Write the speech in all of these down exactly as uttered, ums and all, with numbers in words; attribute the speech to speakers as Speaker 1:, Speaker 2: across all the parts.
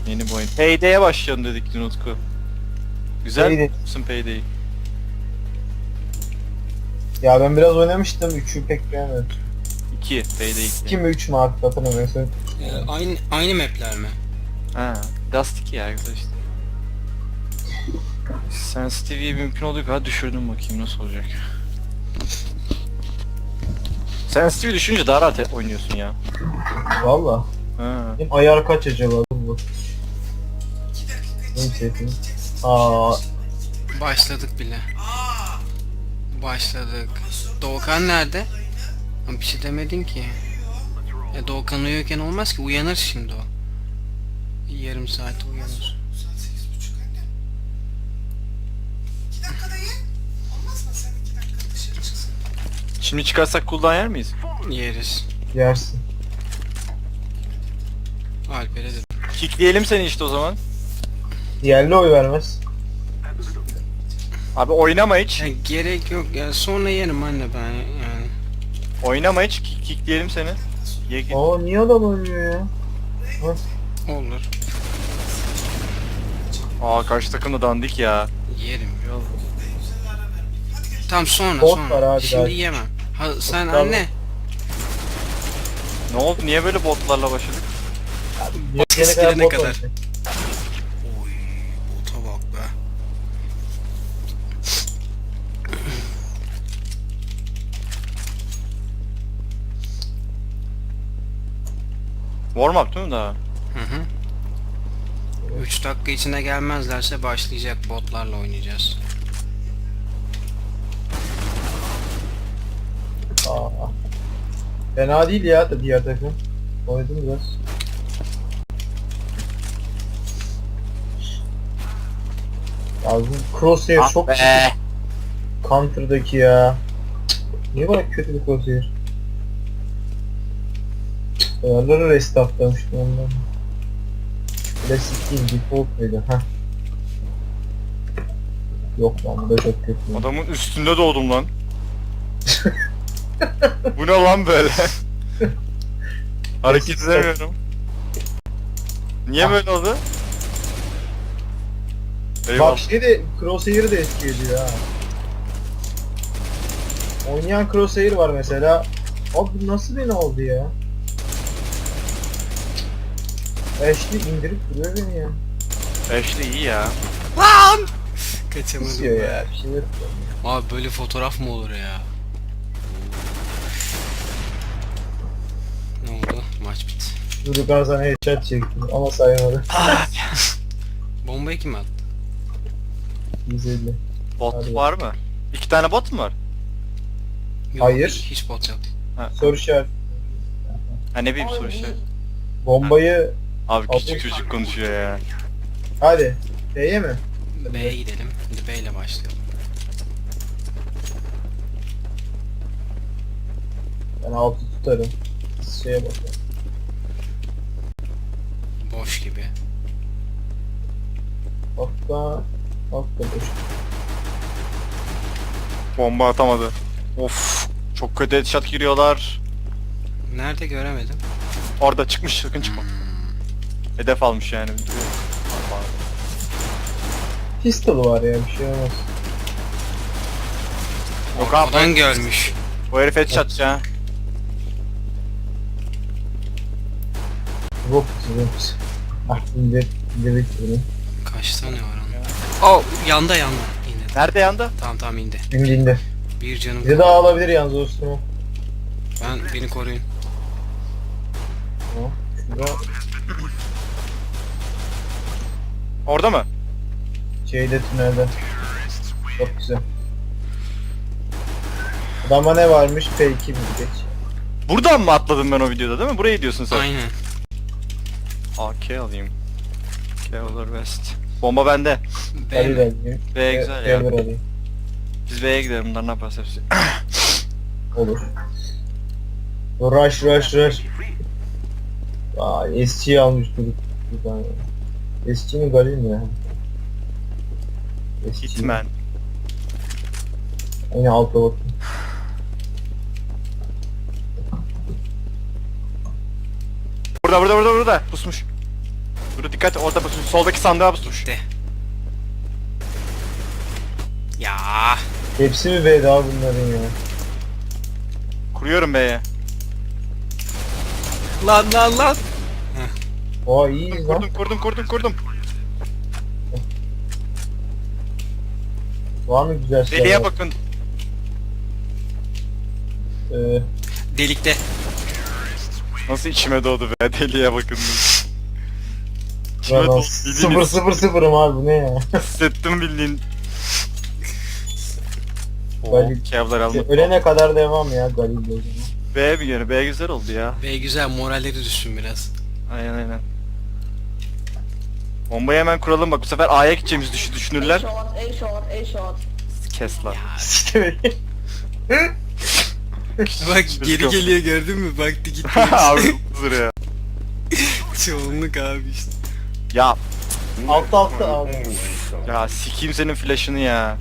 Speaker 1: Yeni bir oyun. Payday'e başlayalım dedik dün Utku. Güzel
Speaker 2: Payday.
Speaker 1: musun Payday'i?
Speaker 2: Ya ben biraz oynamıştım. üçü pek beğenmedim.
Speaker 1: iki. Payday iki.
Speaker 2: iki mi üç mü artık hatırlamıyorum.
Speaker 3: Ee, aynı aynı map'ler mi?
Speaker 1: Ha, Dust iki ya güzel işte. Sensitivity'yi mümkün olduğu kadar düşürdüm, bakayım nasıl olacak. Sensitivity düşünce daha rahat oynuyorsun ya.
Speaker 2: Valla.
Speaker 1: Ha.
Speaker 2: Benim ayar kaç acaba bu? Neyse. Aa,
Speaker 3: Başladık bile. Başladık. Doğukan nerede? Ha, bir şey demedin ki. Ya Doğukan uyuyorken olmaz ki, uyanır şimdi o. Yarım saat uyanır.
Speaker 4: Saat sekiz buçuk anne. İki dakikada ye. Olmaz mı sen iki dakika dışarı çıksın?
Speaker 1: Şimdi çıkarsak cooldown yer miyiz?
Speaker 3: Yeriz.
Speaker 2: yersin.
Speaker 3: Alper'e de.
Speaker 1: Kickleyelim seni işte o zaman.
Speaker 2: Yerli oy vermez.
Speaker 1: Abi oynama hiç.
Speaker 3: Ya gerek yok ya, sonra yerim anne ben yani.
Speaker 1: Oynama hiç. Kick, kickleyelim seni. Ye git.
Speaker 2: Aa niye adam oynuyor ya?
Speaker 3: Olur.
Speaker 1: Aa karşı takım da dandik ya.
Speaker 3: Yerim. Tam sonra
Speaker 2: Bot
Speaker 3: sonra.
Speaker 2: var abi
Speaker 3: Şimdi
Speaker 2: daha.
Speaker 3: yemem. Ha sen
Speaker 2: Botlar
Speaker 3: anne.
Speaker 1: Ne oldu? Niye böyle botlarla başladık?
Speaker 2: Yetene kadar
Speaker 3: Eskilene
Speaker 2: bot
Speaker 3: kadar.
Speaker 2: oynayacak.
Speaker 3: Oy, bota bak be.
Speaker 1: Warm up değil mi daha?
Speaker 3: Hı hı. üç dakika içinde gelmezlerse başlayacak, botlarla oynayacağız.
Speaker 2: Aa. Fena değil ya da diğer takım. Oynadım biraz. Ya bu crosshair
Speaker 1: Ah
Speaker 2: çok
Speaker 1: be.
Speaker 2: kötü. Counter'daki ya. Niye böyle kötü bir crosshair? Ayarları restartlamıştım ondan. Klasik değil, default muydu? Heh. Yok lan, bu da çok kötü.
Speaker 1: Adamın üstünde doğdum lan. Bu ne lan böyle? Hareket edemiyorum. Niye
Speaker 2: Ah.
Speaker 1: böyle oldu?
Speaker 2: Bak
Speaker 1: Eyvallah.
Speaker 2: şey de, crosshair'ı da etki ediyor ha. Oynayan crosshair var mesela. Abi bu nasıl beni oldu ya? Ashley indirip duruyor beni ya.
Speaker 1: Ashley iyi ya.
Speaker 3: Kaçamadım
Speaker 2: Kısıyor
Speaker 3: be.
Speaker 2: ya, bir şey yok.
Speaker 3: Abi böyle fotoğraf mı olur ya? Ne oldu? Maç bitti.
Speaker 2: Durukan sana headshot çektim ama sayamadı.
Speaker 3: Bombayı kim attı?
Speaker 2: yüz elli.
Speaker 1: Bot
Speaker 2: Hadi.
Speaker 1: var mı? İki tane bot mu var?
Speaker 3: Yok,
Speaker 2: Hayır.
Speaker 3: Hiç bot yok.
Speaker 2: Soru işareti.
Speaker 1: Ha ne bileyim soru şey.
Speaker 2: Bombayı
Speaker 1: Abi
Speaker 2: Abi.
Speaker 1: küçük çocuk konuşuyor ya.
Speaker 2: hadi. B'ye mi?
Speaker 3: B'ye gidelim. Hadi B ile başlayalım.
Speaker 2: Ben altı tutarım. Siz şeye bakın.
Speaker 3: Boş gibi.
Speaker 2: Hatta hatta boş.
Speaker 1: Bomba atamadı. Of. Çok kötü headshot giriyorlar.
Speaker 3: Nerede göremedim.
Speaker 1: Orada çıkmış, sakın çıkma. Hedef almış yani.
Speaker 2: Pistol var ya, bir şey olmaz.
Speaker 1: Yok abi.
Speaker 3: Oradan görmüş.
Speaker 1: O herif headshot ya.
Speaker 2: Rock rock. Ah indir. İndirdik bunu.
Speaker 3: Kaç tane var onun? Oh, yanda yanda. İndi.
Speaker 1: Nerede yandı?
Speaker 3: Tamam tamam indi.
Speaker 2: Şimdi indi.
Speaker 3: Bir canım.
Speaker 2: Bizi daha alabilir yalnız dostum.
Speaker 3: Ben beni koruyun.
Speaker 2: Tamam. Şurada
Speaker 1: Orada mı?
Speaker 2: şeyde tünelde. Çok güzel. Adama ne varmış? P iki bir geç.
Speaker 1: Buradan mı atladım ben o videoda değil mi? Burayı diyorsun sen.
Speaker 3: Aynen.
Speaker 1: A K alayım. K olur West. Bomba bende.
Speaker 3: B
Speaker 2: Hadi
Speaker 3: mi?
Speaker 2: de.
Speaker 1: B güzel ya.
Speaker 2: Geldir alayım.
Speaker 1: Biz B'ye gidelim, bunlar ne yaparsa hepsi.
Speaker 2: Olur. Rush rush rush. Vay S G'yi almış durduk. Bir tane. S G mi Galil mi ya? S G.
Speaker 1: Hitman.
Speaker 2: Yine alta bakın.
Speaker 1: Burada burada burada burada. Pusmuş. Dur dikkat orada bak soldaki sandığa bas.
Speaker 3: Gitti. Ya.
Speaker 2: Hepsi mi B'de abi bunların ya?
Speaker 1: Kuruyorum B'ye.
Speaker 3: Lan lan lan.
Speaker 2: Oha iyiyiz lan.
Speaker 1: Kurdum kurdum kurdum kurdum.
Speaker 2: Var mı güzel şeyler?
Speaker 1: Deliye bakın.
Speaker 2: Ee,
Speaker 3: Delikte.
Speaker 1: Nasıl içime doğdu be deliye bakın. İçime
Speaker 2: ben
Speaker 1: doğdu
Speaker 2: sıfır
Speaker 1: bildiğin
Speaker 2: sıfır sıfırım abi bu ne ya?
Speaker 1: hissettim bildiğin. Oo,
Speaker 2: Galil-
Speaker 1: kevlar aldım.
Speaker 2: Ölene kadar devam ya Galil'de.
Speaker 1: B bir yere B güzel oldu ya.
Speaker 3: Ve güzel moralleri düşsün biraz.
Speaker 1: Aynen aynen. Bombayı hemen kuralım bak bu sefer A'ya gideceğimizi düşün
Speaker 5: A
Speaker 1: düşünürler.
Speaker 5: short, A short, A short.
Speaker 1: Kes lan.
Speaker 2: İşte
Speaker 3: Bak geri geliyor gördün mü? Baktı gitti.
Speaker 1: Abi huzur ya.
Speaker 3: Çoğunluk abi işte.
Speaker 1: Ya
Speaker 2: altta altta abi.
Speaker 1: ya sikeyim senin flash'ını ya.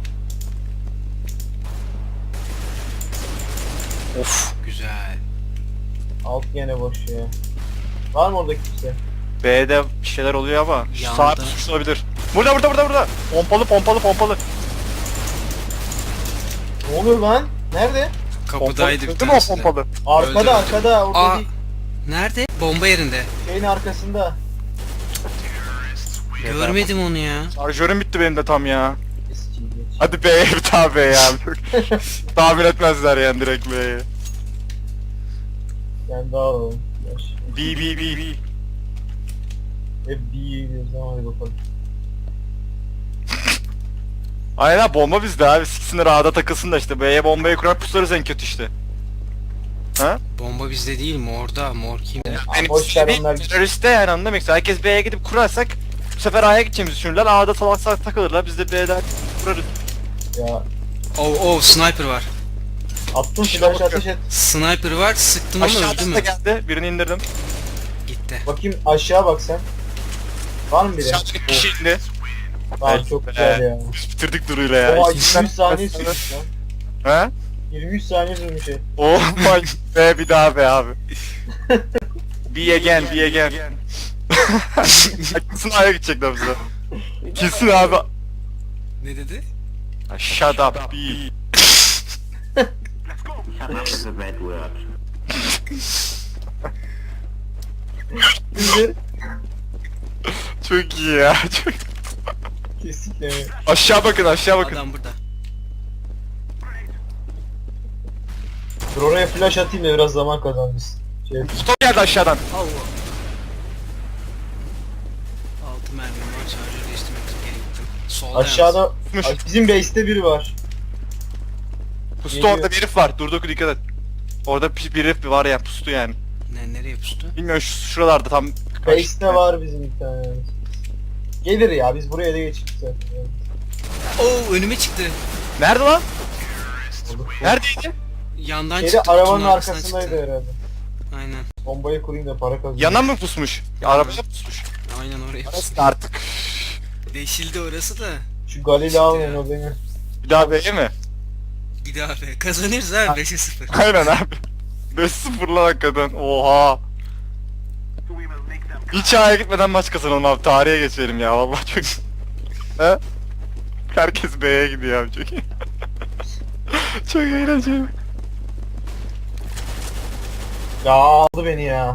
Speaker 1: Of.
Speaker 3: Güzel.
Speaker 2: Alt gene boş ya. Var mı orada kimse?
Speaker 1: B'de bir şeyler oluyor ama şu
Speaker 3: Yandı.
Speaker 1: sağ suç olabilir. Burada burada burada burada. Pompalı pompalı pompalı.
Speaker 2: Ne oluyor lan? Nerede?
Speaker 3: Kapıdaydı bir
Speaker 1: Değil mi o
Speaker 3: tanesi de.
Speaker 1: pompalı?
Speaker 2: Arkada
Speaker 3: Öldü.
Speaker 2: arkada orada
Speaker 3: Aa.
Speaker 2: değil.
Speaker 3: Nerede? Bomba yerinde.
Speaker 2: Şeyin arkasında.
Speaker 3: Görmedim onu ya.
Speaker 1: Şarjörüm bitti benim de tam ya.
Speaker 2: Eski geç.
Speaker 1: Hadi B'ye bir daha B ya. Tahmin etmezler yani direkt B'ye.
Speaker 2: Ben daha alalım. Yaş.
Speaker 1: B B B B.
Speaker 2: Hep B'ye gidiyoruz ama hadi bakalım.
Speaker 1: Aynen bomba bizde abi. Siksinler A'da takılsın da işte. B'ye bombayı kurar puslarız en kötü işte. Ha?
Speaker 3: Bomba bizde değil mi? Orada. Mor kim?
Speaker 2: Aa, boş ver onlar gitsin.
Speaker 1: teröriste yani anladın mı? Herkes B'ye gidip kurarsak bu sefer A'ya gideceğimizi düşünürler. A'da salak salak takılırlar. Biz de B'den kurarız.
Speaker 2: Ya
Speaker 3: Oh oh sniper var.
Speaker 2: attım
Speaker 1: Şuna
Speaker 2: flash
Speaker 1: bakıyorum.
Speaker 2: ateş et.
Speaker 3: Sniper var. Sıktım ama öldü
Speaker 1: Aşağıda da
Speaker 3: mü?
Speaker 1: geldi. Birini indirdim.
Speaker 3: Gitti.
Speaker 2: Bakayım aşağı bak sen. Var mı biri?
Speaker 1: Aşağıda bir kişi indi.
Speaker 2: Tamam
Speaker 1: Evet
Speaker 2: çok
Speaker 1: be.
Speaker 2: güzel ya.
Speaker 1: Biz bitirdik Duru'yla ya.
Speaker 2: Oha
Speaker 1: İkisi
Speaker 2: yirmi üç
Speaker 1: sen-
Speaker 2: saniye sürmüş lan.
Speaker 1: Ha?
Speaker 2: yirmi üç saniye sürmüş şey.
Speaker 1: Oh my be bir daha be abi. Be again, be again. Kesin A'ya gidecekler bize. Kesin abi.
Speaker 3: Ne dedi?
Speaker 1: Shut up be.
Speaker 6: Shut up is a bad word.
Speaker 2: Şimdi
Speaker 1: Çok iyi ya. Çok...
Speaker 2: kesinlikle mi?
Speaker 1: Aşağı bakın aşağı bakın.
Speaker 3: Adam burada.
Speaker 2: Dur oraya flash atayım da biraz zaman kazanırız. Şey,
Speaker 1: Stop geldi aşağıdan.
Speaker 3: Allah. Altı mermim var. Şarjör değiştirmek gerektim. Solda
Speaker 2: aşağıda
Speaker 1: Mış.
Speaker 2: Ay, bizim base'te biri var.
Speaker 1: Pustu
Speaker 2: Geliyor.
Speaker 1: orada bir herif var. Durdu dikkat et. Orada bir bir herif var ya pustu yani.
Speaker 3: yalnız. Ne, nereye pustu?
Speaker 1: Bilmiyorum şu şuralarda tam.
Speaker 2: Base'te var bizim bir tane. Gelir ya biz buraya da geçtik zaten. Yani.
Speaker 3: Oo önüme çıktı.
Speaker 1: Nerede lan?
Speaker 2: Olur.
Speaker 1: Neredeydi?
Speaker 3: Yandan
Speaker 2: Şeyde
Speaker 3: çıktı.
Speaker 2: arabanın
Speaker 3: kutunun arkasından
Speaker 2: arkasındaydı
Speaker 3: çıktı.
Speaker 2: herhalde.
Speaker 3: Aynen.
Speaker 2: Bombayı kurayım da para kazanayım.
Speaker 1: Yana mı pusmuş? Arabaya pusmuş.
Speaker 3: Aynen oraya pustu.
Speaker 1: Artık.
Speaker 3: Deşildi orası da.
Speaker 2: Şu Galil'i almayın o beni.
Speaker 1: Bir daha B'ye mi?
Speaker 3: Bir daha be. Kazanırız abi beşe sıfır.
Speaker 1: Aynen abi. beş sıfır lan hakikaten. Oha. Hiç A'ya gitmeden maç kazanalım abi. Tarihe geçelim ya. Vallahi çok... He? Herkes B'ye gidiyor abi çok iyi. Çok eğlenceli.
Speaker 2: Ya aldı beni ya.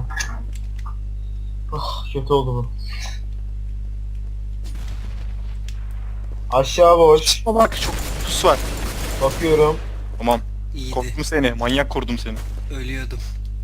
Speaker 2: Ah kötü oldu bu. Aşağı boş.
Speaker 1: Bak çok pus var.
Speaker 2: Bakıyorum.
Speaker 1: Tamam.
Speaker 3: İyiydi.
Speaker 1: Korktum seni. Manyak kurdum seni.
Speaker 3: Ölüyordum.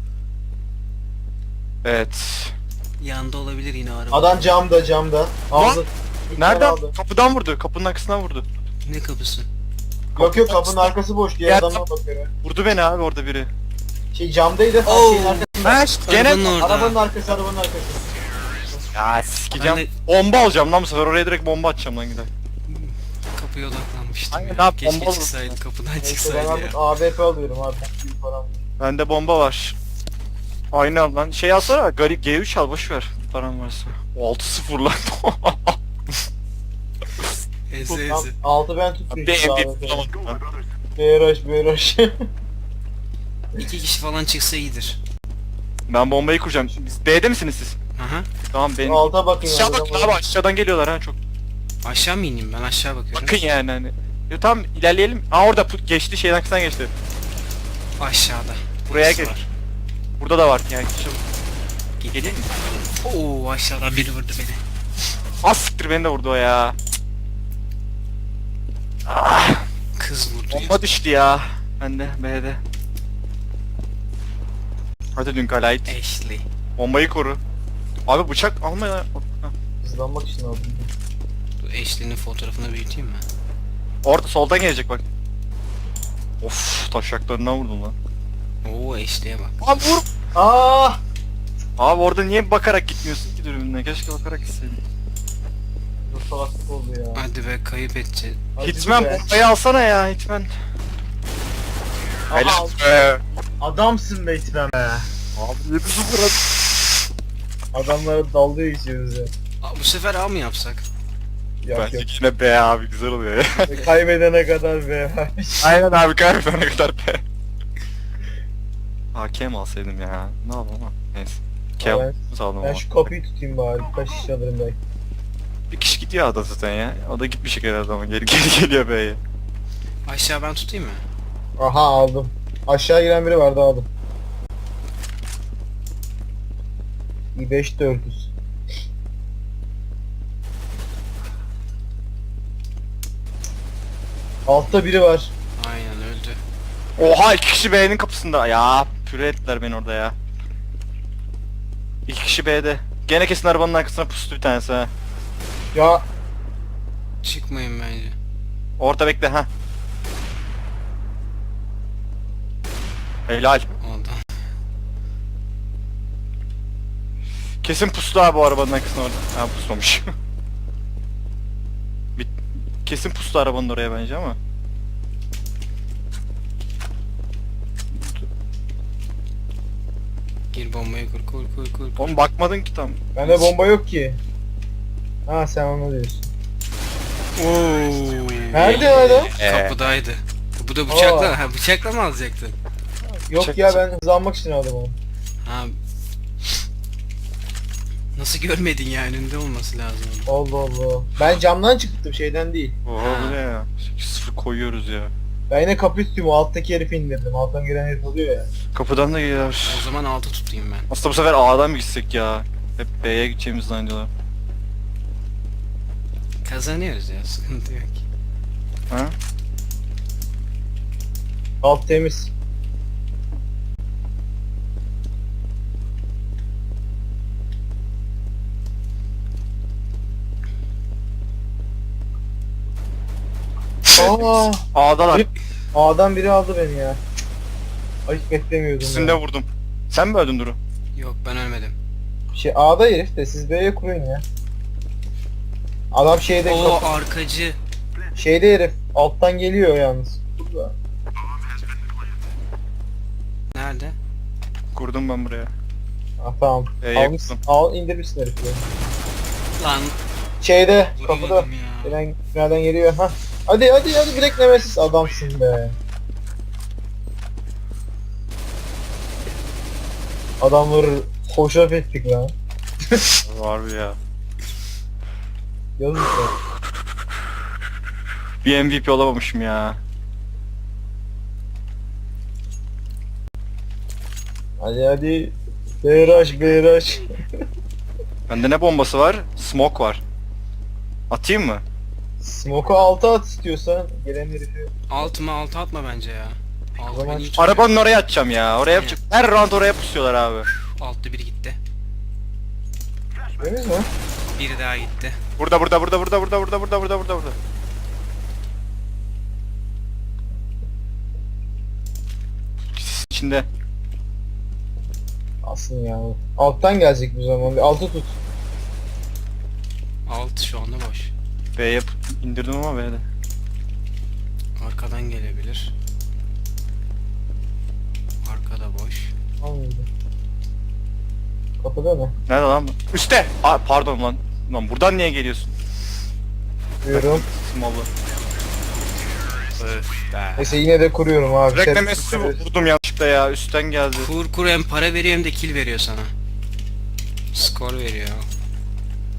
Speaker 1: Evet.
Speaker 3: Yanda olabilir yine araba.
Speaker 2: Adam camda camda. Aldı. Bir tane
Speaker 1: Nereden?
Speaker 2: aldı.
Speaker 1: Kapıdan vurdu. Kapının arkasından vurdu.
Speaker 3: Ne kapısı?
Speaker 2: Yok yok kapının arkası boş diye
Speaker 1: Yer-
Speaker 2: adama bakıyor.
Speaker 1: Vurdu beni abi orada biri.
Speaker 2: Şey camdaydı. ha,
Speaker 3: Oo.
Speaker 2: Şeyin arkasında.
Speaker 1: Ha gene.
Speaker 3: Arabanın orada.
Speaker 2: Arabanın arkası arabanın arkası.
Speaker 1: Ya sikeceğim.
Speaker 3: Ben de-
Speaker 1: Bomba alacağım lan bu sefer. Oraya direkt bomba atacağım lan gider.
Speaker 3: Kapıya odaklanmıştım
Speaker 1: Aynen
Speaker 3: ya.
Speaker 1: abi,
Speaker 3: Keşke
Speaker 1: bomba olur.
Speaker 3: çıksaydı kapıdan
Speaker 2: Neyse ben
Speaker 3: çıksaydı
Speaker 2: artık
Speaker 3: ya.
Speaker 2: A W P alıyorum abi. Büyük param. var.
Speaker 1: Bende bomba var. Aynı al lan. Şey alsana. Garip G üç al boş ver. Param varsa. altı sıfır lan.
Speaker 3: Eze
Speaker 2: Tam
Speaker 3: eze.
Speaker 2: altı ben tutmuşum
Speaker 1: Bir
Speaker 2: A
Speaker 1: M
Speaker 2: W
Speaker 1: bir
Speaker 2: P.
Speaker 1: bulamadım lan.
Speaker 2: B R H B R H.
Speaker 3: İki kişi falan çıksa iyidir.
Speaker 1: Ben bombayı kuracağım. Biz B'de misiniz siz?
Speaker 3: Aha.
Speaker 1: Tamam benim.
Speaker 2: Alta bakın ya.
Speaker 1: Aşağı bakın abi, aşağıdan geliyorlar ha çok.
Speaker 3: Aşağı mı ineyim ben? Aşağı bakıyorum.
Speaker 1: Bakın yani hani. Ya tamam ilerleyelim. Aa orada pu- geçti, şeyden kısan geçti.
Speaker 3: Aşağıda.
Speaker 1: Buraya
Speaker 3: Birisi
Speaker 1: geç.
Speaker 3: var.
Speaker 1: Burada da var yani. Şu...
Speaker 3: Gitti.
Speaker 1: Geleyim mi?
Speaker 3: Oo, aşağıdan biri vurdu beni.
Speaker 1: Az siktir, beni de vurdu o ya. Ah,
Speaker 3: Kız vurdu ya.
Speaker 1: bomba düştü ya. Ben de B'de. Hadi dün kalayt.
Speaker 3: Ashley.
Speaker 1: Bombayı koru. Abi bıçak alma ya.
Speaker 2: Hızlanmak için aldım.
Speaker 3: Dur, Ashley'nin fotoğrafını büyüteyim mi?
Speaker 1: Orada soldan gelecek bak. Of, taşaklarından vurdum lan.
Speaker 3: Oo, Ashley'e bak.
Speaker 1: Abi vur.
Speaker 2: Aa!
Speaker 1: Abi orada niye bakarak gitmiyorsun ki dürbününe? Keşke bakarak gitseydin.
Speaker 2: Bu salaklık oldu ya.
Speaker 3: Hadi be, kayıp edeceğiz.
Speaker 2: Hadi
Speaker 1: Hitman
Speaker 2: be.
Speaker 1: bombayı alsana ya Hitman.
Speaker 2: Aha,
Speaker 1: Helal be.
Speaker 2: adamsın be Hitman be.
Speaker 1: Abi yedi sıfır at.
Speaker 2: Adamlara dalga geçiyoruz ya.
Speaker 3: Aa, bu sefer A mı yapsak?
Speaker 2: Yok
Speaker 1: Bence
Speaker 2: yok.
Speaker 1: yine B abi, güzel oluyor ya.
Speaker 2: Kaybedene kadar be.
Speaker 1: Aynen abi, kaybedene kadar B. Hakem alsaydım ya. Ne yapalım ama. Neyse. Kem
Speaker 2: Ben-
Speaker 1: aldım
Speaker 2: Ben
Speaker 1: ama.
Speaker 2: şu kapıyı tutayım bari. Birkaç şiş alırım belki.
Speaker 1: Bir kişi gidiyor ada zaten ya. O da gitmiş herhalde ama geri geri geliyor B'ye.
Speaker 3: Aşağı ben tutayım mı?
Speaker 2: Aha aldım. Aşağı giren biri vardı aldım. i beş dört yüz. Altta biri var.
Speaker 3: Aynen öldü.
Speaker 1: Oha, iki kişi B'nin kapısında. Ya püre ettiler beni orada ya. İki kişi B'de. Gene kesin arabanın arkasına pustu bir tanesi ha.
Speaker 2: Ya
Speaker 3: Çıkmayın bence.
Speaker 1: Orta bekle ha. Helal.
Speaker 3: Oldu.
Speaker 1: Kesin pustu abi bu arabanın arkasına orada. Ha, pusmamış. Bir, kesin pustu arabanın oraya bence ama.
Speaker 3: Gir bombayı kur kur kur kur. kur.
Speaker 1: Oğlum bakmadın ki tam.
Speaker 2: bende bomba yok ki. Ha sen onu diyorsun.
Speaker 3: Oo.
Speaker 2: Nerede adam?
Speaker 1: Ee,
Speaker 3: Kapıdaydı. Bu da bıçakla, ha bıçakla mı alacaktın?
Speaker 2: Yok
Speaker 1: Çek-
Speaker 2: ya ben hızlanmak için aldım onu.
Speaker 3: Ha. Nasıl görmedin ya, önünde olması lazım.
Speaker 2: Allah Allah. Ben camdan çıktım şeyden değil.
Speaker 1: Oha bu ne ya? sekiz sıfır koyuyoruz ya.
Speaker 2: Ben yine kapıyı tutuyorum. O alttaki herifi indirdim. Alttan giren herif oluyor ya.
Speaker 1: Kapıdan da geliyor.
Speaker 3: O zaman altı tutayım ben.
Speaker 1: Aslında bu sefer A'dan mı gitsek ya? Hep B'ye gideceğimizi zannediyorlar.
Speaker 3: Kazanıyoruz ya, sıkıntı yok.
Speaker 1: Ha?
Speaker 2: Alt temiz. Aa,
Speaker 1: A'dalar.
Speaker 2: A'dan biri aldı beni ya. Ay hiç beklemiyordum
Speaker 1: İkisini de
Speaker 2: ya.
Speaker 1: vurdum. Sen mi öldün Duru?
Speaker 3: Yok, ben ölmedim.
Speaker 2: Şey A'da herif de siz B'ye kurun ya. Adam şeyde
Speaker 3: Oo,
Speaker 2: kapı-
Speaker 3: arkacı.
Speaker 2: şeyde herif alttan geliyor yalnız. Burada.
Speaker 3: Nerede?
Speaker 1: Kurdum ben buraya.
Speaker 2: Ah tamam.
Speaker 1: B'ye
Speaker 2: Almış,
Speaker 1: kurdum.
Speaker 2: al indirmişsin herifi.
Speaker 3: Lan
Speaker 2: Şeyde kapıda.
Speaker 3: vuramadım ya.
Speaker 2: Gelen nereden geliyor ha? Hadi hadi hadi bilek nemesiz adamsın be. Adamları hoşaf ettik lan.
Speaker 1: Var bir ya.
Speaker 2: Yazık ya.
Speaker 1: Bir M V P olamamışım ya.
Speaker 2: Hadi hadi. Beyraş beyraş.
Speaker 1: Bende ne bombası var? Smoke var. Atayım mı?
Speaker 2: Smoke'u alta at istiyorsan gelen herifi.
Speaker 3: Altıma altı atma bence ya. Altı
Speaker 2: zaman
Speaker 3: beni hiç tutuyor.
Speaker 1: Arabanın oraya atacağım ya. Oraya yapacak. Her round oraya pusuyorlar abi.
Speaker 3: Altta biri gitti.
Speaker 2: Temiz mi?
Speaker 3: Biri daha gitti.
Speaker 1: Burada burada burada burada burada burada burada burada burada burada. Sis içinde.
Speaker 2: Aslında ya. Alttan gelecek bir zaman. Bir altı tut.
Speaker 3: Altı şu anda boş.
Speaker 1: B yap indirdim ama B'de.
Speaker 3: Arkadan gelebilir. Arkada boş.
Speaker 2: Anladım. Kapıda mı?
Speaker 1: Nerede lan bu? Üste. Aa, pardon lan. Lan buradan niye geliyorsun?
Speaker 2: Diyorum.
Speaker 1: Smallı. Öf be.
Speaker 2: Neyse yine de kuruyorum abi.
Speaker 1: Reklamesi
Speaker 2: Şerefsiz.
Speaker 1: vurdum yanlışlıkla ya. Üstten geldi.
Speaker 3: Kur kur, hem para veriyor hem de kill veriyor sana. Skor veriyor.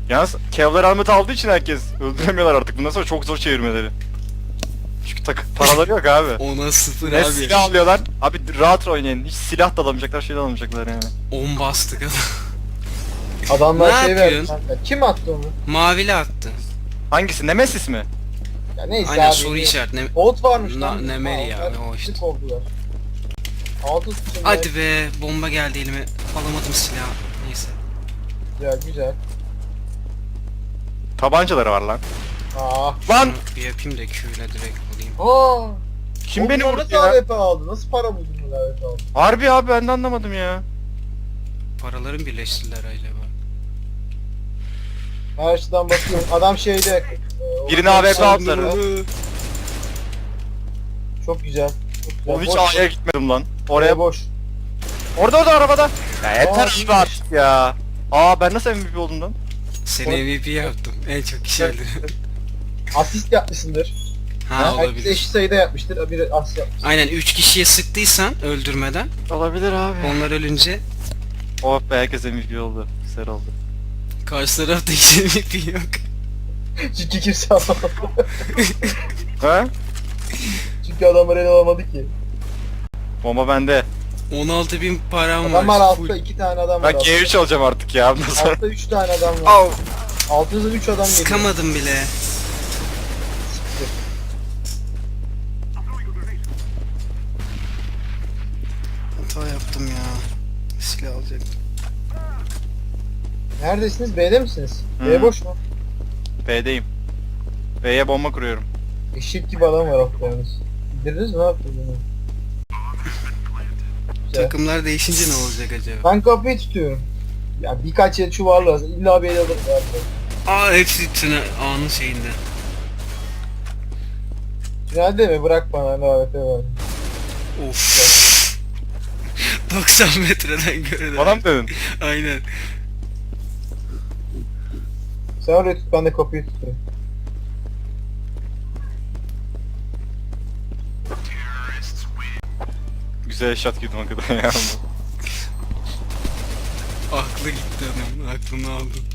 Speaker 1: Yalnız Kevlar Ahmet aldığı için herkes öldüremiyorlar artık. Bundan sonra çok zor çevirmeleri. Çünkü tak paraları yok abi.
Speaker 3: Ona sıfır
Speaker 1: Ne
Speaker 3: abi.
Speaker 1: silah alıyorlar. Abi rahat oynayın. Hiç silah da alamayacaklar, şey de alamayacaklar yani.
Speaker 3: on bastık adam.
Speaker 2: Adamlar
Speaker 3: Ne
Speaker 2: şey verdi
Speaker 3: yapıyorsun?
Speaker 2: kanka. Kim attı onu?
Speaker 3: Mavili attı.
Speaker 1: Hangisi? Nemesis mi?
Speaker 2: Ya neyse
Speaker 3: Aynen
Speaker 2: abi.
Speaker 3: soru işareti. Ne...
Speaker 2: Bot varmış
Speaker 3: Na-
Speaker 2: lan.
Speaker 3: Nemeri ya,
Speaker 2: Aa,
Speaker 3: o işte.
Speaker 2: tık oldular. Altı tutun.
Speaker 3: Hadi be, bomba geldi elime. Alamadım silahı. Neyse.
Speaker 2: Güzel güzel.
Speaker 1: Tabancaları var lan.
Speaker 2: Aa.
Speaker 1: Lan!
Speaker 3: Şunu bir yapayım da Q ile direkt alayım.
Speaker 2: Aa.
Speaker 1: Kim beni
Speaker 2: Onlar
Speaker 1: vurdu
Speaker 2: nasıl
Speaker 1: ya?
Speaker 2: A W P aldı? Nasıl para buldun bu A W P aldı?
Speaker 1: Harbi abi ben de anlamadım ya.
Speaker 3: Paraların birleştiler acaba.
Speaker 2: Her açıdan bakıyorum. Adam şeyde. e,
Speaker 1: Birine A W P aldılar. ha.
Speaker 2: Çok güzel. Çok güzel.
Speaker 1: O hiç
Speaker 2: Boş.
Speaker 1: A'ya gitmedim lan.
Speaker 2: Oraya
Speaker 1: Oraya
Speaker 2: boş.
Speaker 1: Orada orada arabada. Ya yeter
Speaker 2: Aa,
Speaker 1: abi
Speaker 2: iyiymiş.
Speaker 1: artık ya. Aa ben nasıl M V P oldum lan?
Speaker 3: Seni M V P yaptım. En çok kişi öldü.
Speaker 2: Asist yapmışsındır.
Speaker 3: Ha
Speaker 2: Herkes
Speaker 3: olabilir.
Speaker 2: eşit sayıda yapmıştır. Biri asist yapmış.
Speaker 3: Aynen üç kişiye sıktıysan öldürmeden
Speaker 1: Olabilir abi.
Speaker 3: onlar ölünce
Speaker 1: Oh be herkes M V P oldu. Güzel oldu.
Speaker 3: karşı tarafta hiç M V P yok.
Speaker 2: Çünkü kimse alamadı.
Speaker 1: Ha?
Speaker 2: Çünkü adamlar el alamadı ki.
Speaker 1: Bomba bende.
Speaker 3: on altı bin param
Speaker 2: Adam var
Speaker 3: var.
Speaker 2: altta iki tane adam var.
Speaker 1: Ben G üç alacağım artık ya. Bundan sonra.
Speaker 2: Altta üç tane adam var.
Speaker 1: Au.
Speaker 2: Altınızda üç adam geliyor.
Speaker 3: Sıkamadım bile. Hata yaptım ya. Silah alacaktım.
Speaker 2: Neredesiniz? B'de misiniz?
Speaker 1: Hı.
Speaker 2: B boş mu?
Speaker 1: B'deyim. B'ye bomba kuruyorum.
Speaker 2: Eşit gibi adam var altta yalnız. Bitirdiniz mi? Ne yaptınız bunu? Güzel.
Speaker 3: Takımlar değişince ne olacak acaba?
Speaker 2: Ben kapıyı tutuyorum. Ya birkaç yer çuvarlar. İlla bir el alırım. abi.
Speaker 3: Aa hepsi tüne anın şeyinde.
Speaker 2: Tünelde mi? Bırak bana ne A W P var.
Speaker 3: Of. doksan metreden göre de.
Speaker 1: Bana mı dedin?
Speaker 3: Aynen.
Speaker 2: Sen oraya tut, ben de kapıyı tutayım.
Speaker 1: Güzel shot girdim hakikaten ya.
Speaker 3: Aklı gitti adamın. Aklını aldım.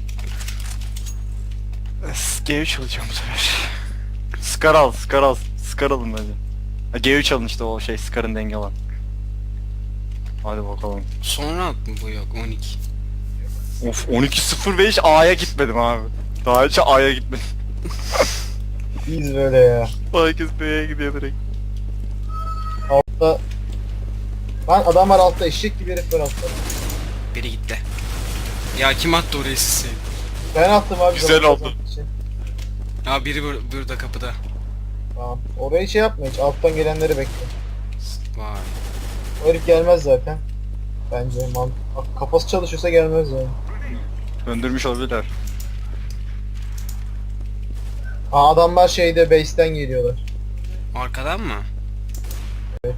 Speaker 1: G üç alacağım bu sefer. Scar al, Scar al. Scar alın bence. Ha, G üç alın işte o şey Scar'ın denge olan. Hadi bakalım.
Speaker 3: Sonra at mı bu yok on iki.
Speaker 1: Of on iki sıfır beş A'ya gitmedim abi. Daha hiç A'ya gitmedim.
Speaker 2: İyiyiz böyle ya.
Speaker 1: Herkes B'ye gidiyor direkt.
Speaker 2: Altta... Lan adam var altta, eşek gibi herif var altta.
Speaker 3: Biri gitti. Ya kim attı oraya sisi?
Speaker 2: Ben attım abi.
Speaker 1: Güzel
Speaker 2: zaman
Speaker 1: oldu.
Speaker 2: kazanmak için.
Speaker 3: Ya biri bur burada kapıda.
Speaker 2: Tamam. Orayı şey yapma hiç, alttan gelenleri bekle.
Speaker 3: Vay.
Speaker 2: O herif gelmez zaten. Bence man kafası çalışıyorsa gelmez yani.
Speaker 1: Döndürmüş olabilirler.
Speaker 2: Aa adamlar şeyde base'ten geliyorlar.
Speaker 3: Arkadan mı?
Speaker 2: Evet.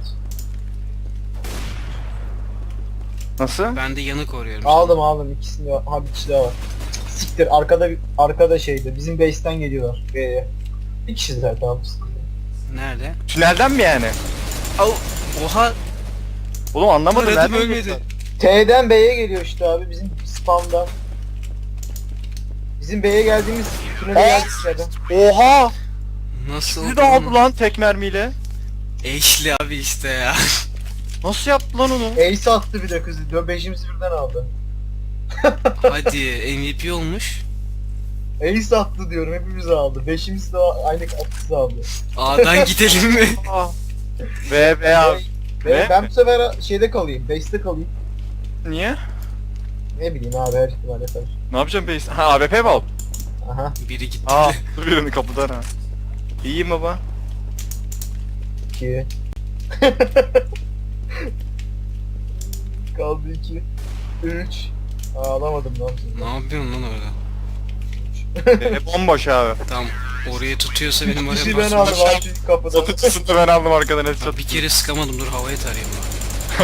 Speaker 1: Nasıl?
Speaker 3: Ben de yanı koruyorum.
Speaker 2: Aldım aldım ikisini de. Ha bir kişi daha var. Siktir arkada arkada şeyde bizim base'ten geliyorlar B'ye. Bir kişi zaten abi.
Speaker 3: Nerede?
Speaker 1: Tünelden mi yani?
Speaker 3: Au. Oha.
Speaker 1: Oğlum anlamadım
Speaker 3: Aradım,
Speaker 1: nereden
Speaker 3: ölmedi.
Speaker 1: geliyorlar?
Speaker 2: T'den B'ye geliyor işte abi bizim spamdan. Bizim B'ye geldiğimiz tünele
Speaker 1: Aa!
Speaker 2: geldik adam.
Speaker 1: Oha!
Speaker 3: Nasıl
Speaker 1: Sizi
Speaker 3: oldu
Speaker 1: de aldı
Speaker 3: lan?
Speaker 1: lan tek mermiyle.
Speaker 3: Eşli abi işte ya.
Speaker 1: Nasıl yaptı lan onu?
Speaker 2: Ace attı bir de kızı. Beşimizi birden aldı.
Speaker 3: Hadi M V P olmuş.
Speaker 2: Ace attı diyorum hepimizi aldı. Beşimiz de aynı kızı aldı.
Speaker 3: A'dan gidelim mi?
Speaker 1: Aa. Ve ve abi.
Speaker 2: Ve
Speaker 1: Ne?
Speaker 2: ben bu sefer şeyde kalayım. Base'de kalayım.
Speaker 1: Niye?
Speaker 2: Ne bileyim abi her ihtimalle karşı.
Speaker 1: Ne yapacağım base? Ha A W P mi al?
Speaker 2: Aha.
Speaker 3: Biri gitti.
Speaker 1: Aa dur birini kapıdan ha. İyiyim baba.
Speaker 2: iki. Kaldı iki. üç. Aa alamadım lan.
Speaker 3: Ne yapıyorsun lan orada?
Speaker 1: E, bomboş abi.
Speaker 3: Tamam. Oraya tutuyorsa benim oraya
Speaker 2: İkisi ben
Speaker 3: basmam.
Speaker 2: aldım abi çünkü kapıda.
Speaker 1: Satıcısını da ben aldım arkadan
Speaker 3: Ha,
Speaker 1: headshot.
Speaker 3: bir kere sıkamadım, dur havaya tarayayım lan.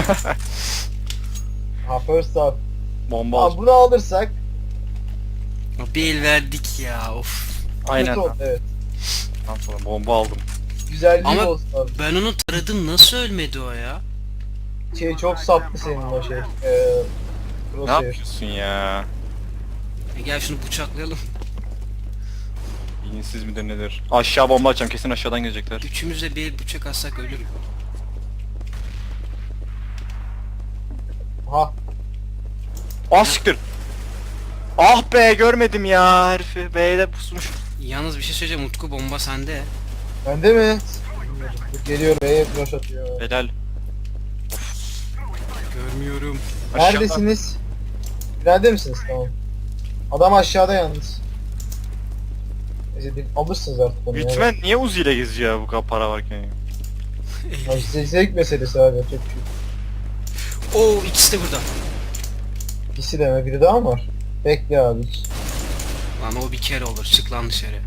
Speaker 2: Ha first half.
Speaker 1: Bomba
Speaker 2: Tamam
Speaker 1: al.
Speaker 2: bunu alırsak.
Speaker 3: Bir el verdik ya of.
Speaker 1: Aynen.
Speaker 2: kötü oldu, evet.
Speaker 1: Tamam sonra bomba aldım.
Speaker 2: Güzelliği
Speaker 3: Ama-
Speaker 2: olsun abi.
Speaker 3: Ben onu taradım, nasıl ölmedi o ya?
Speaker 2: Şey çok saplı senin o şey. Eee...
Speaker 1: Ne
Speaker 2: Crosshair.
Speaker 1: yapıyorsun ya?
Speaker 3: E gel şunu bıçaklayalım.
Speaker 1: İyinsiz midir nedir? Aşağı bomba atacağım, kesin aşağıdan gelecekler.
Speaker 3: Üçümüz de bir bıçak atsak ölür.
Speaker 2: Ha.
Speaker 1: Ah siktir. Ah be, görmedim ya herifi. B'de pusmuş.
Speaker 3: Yalnız bir şey söyleyeceğim, Utku bomba sende.
Speaker 2: Bende mi? Dur, geliyor B'ye flash atıyor.
Speaker 1: Helal.
Speaker 3: Görmüyorum.
Speaker 1: Aşağıda.
Speaker 2: Neredesiniz? Nerede misiniz? Tamam. Adam aşağıda yalnız. Neyse bir alırsınız artık onu.
Speaker 1: Bitmen niye Uzi ile geziyor ya bu kadar para varken ya?
Speaker 2: Ya işte zevk meselesi abi. Çok şey.
Speaker 3: Oo, ikisi de burada.
Speaker 2: İkisi deme biri daha mı var? Bekle abi hiç.
Speaker 3: Lan o bir kere olur, çık lan dışarı.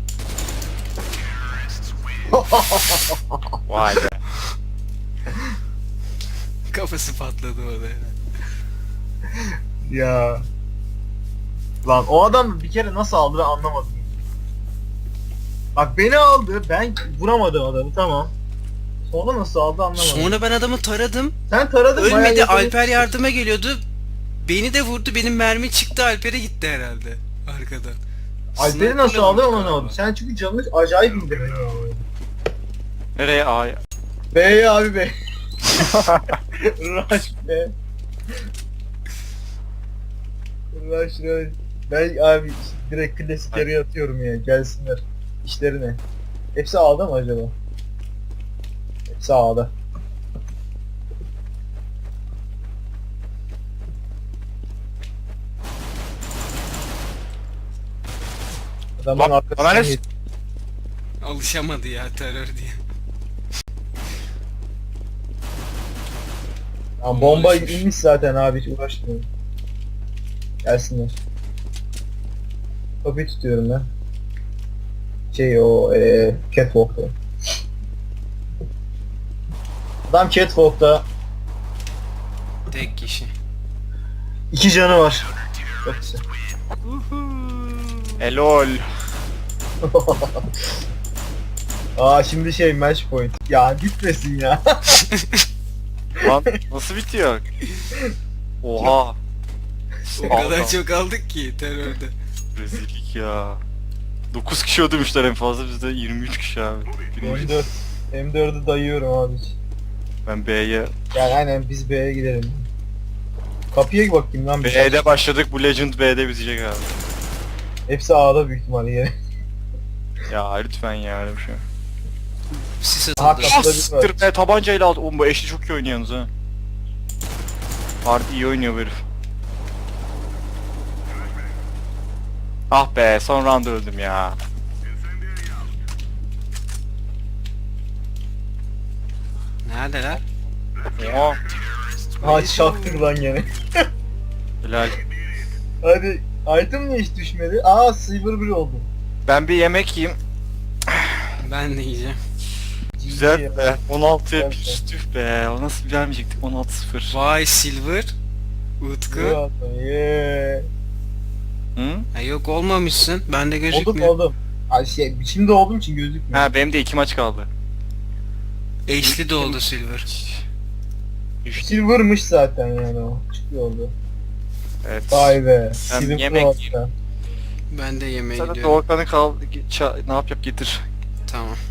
Speaker 1: Vay be.
Speaker 3: Kafası patladı o da.
Speaker 2: Ya. Lan o adam bir kere nasıl aldı ben anlamadım. Bak beni aldı, ben vuramadım adamı, tamam. Sonra nasıl aldı anlamadım.
Speaker 3: Sonra ben adamı taradım.
Speaker 2: Sen taradın bayağı
Speaker 3: Ölmedi,
Speaker 2: yakın-
Speaker 3: Alper yardıma geliyordu. Beni de vurdu, benim mermi çıktı, Alper'e gitti herhalde. Arkadan.
Speaker 2: Alper'i nasıl
Speaker 3: Sniper'la
Speaker 2: aldı
Speaker 3: vurdu
Speaker 2: onu
Speaker 3: galiba.
Speaker 2: aldı. Sen çünkü canını acayip indirdin.
Speaker 1: Nereye A'ya?
Speaker 2: B'ye abi be. Rush be. Rush rush. Ben abi direkt klasikleri atıyorum ya, gelsinler. İşlerine. Hepsi A'da mı acaba? Hepsi A'da. Adamın
Speaker 1: Lan,
Speaker 2: arkasına
Speaker 1: bana ne-
Speaker 2: git.
Speaker 3: Alışamadı ya terör diye.
Speaker 2: Ya bomba inmiş zaten abi, hiç uğraşmıyorum. Gelsinler. Kapıyı tutuyorum ben. Şey o eee Catwalk'ta. Adam Catwalk'ta.
Speaker 3: Tek kişi.
Speaker 2: İki canı var. Çok güzel.
Speaker 1: Elol.
Speaker 2: Aa şimdi şey match point. Ya bitmesin ya.
Speaker 1: Lan nasıl bitiyor? Oha.
Speaker 3: O kadar çok aldık ki terörde.
Speaker 1: Rezillik ya. dokuz kişi öldürmüşler en fazla, bizde yirmi üç kişi abi.
Speaker 2: M dört. M dördü dayıyorum abi.
Speaker 1: Ben B'ye...
Speaker 2: Yani aynen biz B'ye gidelim. Kapıya bakayım lan bir şey.
Speaker 1: B'de başladık, bu Legend B'de bitecek abi.
Speaker 2: Hepsi A'da büyük ihtimalle yine.
Speaker 1: Ya lütfen ya, öyle bir şey.
Speaker 3: Sis
Speaker 2: Aha,
Speaker 3: atıldı.
Speaker 2: kapı-
Speaker 1: Ah siktir be, tabancayla aldı. Oğlum bu eşli çok iyi oynuyorsunuz ha. Harbi iyi oynuyor bu herif. Ah be, son round öldüm ya.
Speaker 3: Neredeler?
Speaker 1: Oha.
Speaker 2: Ha çaktık lan gene.
Speaker 1: Helal.
Speaker 2: Hadi item niye hiç düşmedi? Aa silver bir oldu.
Speaker 1: Ben bir yemek yiyeyim.
Speaker 3: Ben de yiyeceğim.
Speaker 1: Güzel be. on altıya
Speaker 2: Evet,
Speaker 1: bir tüh be. O nasıl vermeyecektik, on altı sıfır.
Speaker 3: Vay Silver. Utku.
Speaker 2: Yeah.
Speaker 1: Hı?
Speaker 3: Ha, yok olmamışsın. Bende
Speaker 2: Oldum
Speaker 3: gözükmüyor.
Speaker 2: oldum. Ay şey şimdi olduğum için gözükmüyor.
Speaker 1: Ha, benim de iki maç kaldı.
Speaker 3: Eşli de oldu Silver.
Speaker 1: İşte,
Speaker 2: Silver'mış zaten yani o. Çıkıyor oldu.
Speaker 1: evet.
Speaker 2: Vay be.
Speaker 1: Ben
Speaker 2: Silver
Speaker 1: yemek
Speaker 2: Pro
Speaker 1: yiyeyim.
Speaker 2: hatta.
Speaker 3: Ben de yemeğe
Speaker 1: Sana
Speaker 3: gidiyorum.
Speaker 1: Doğukan'ı kal, ça- ne yap yap getir.
Speaker 3: Tamam.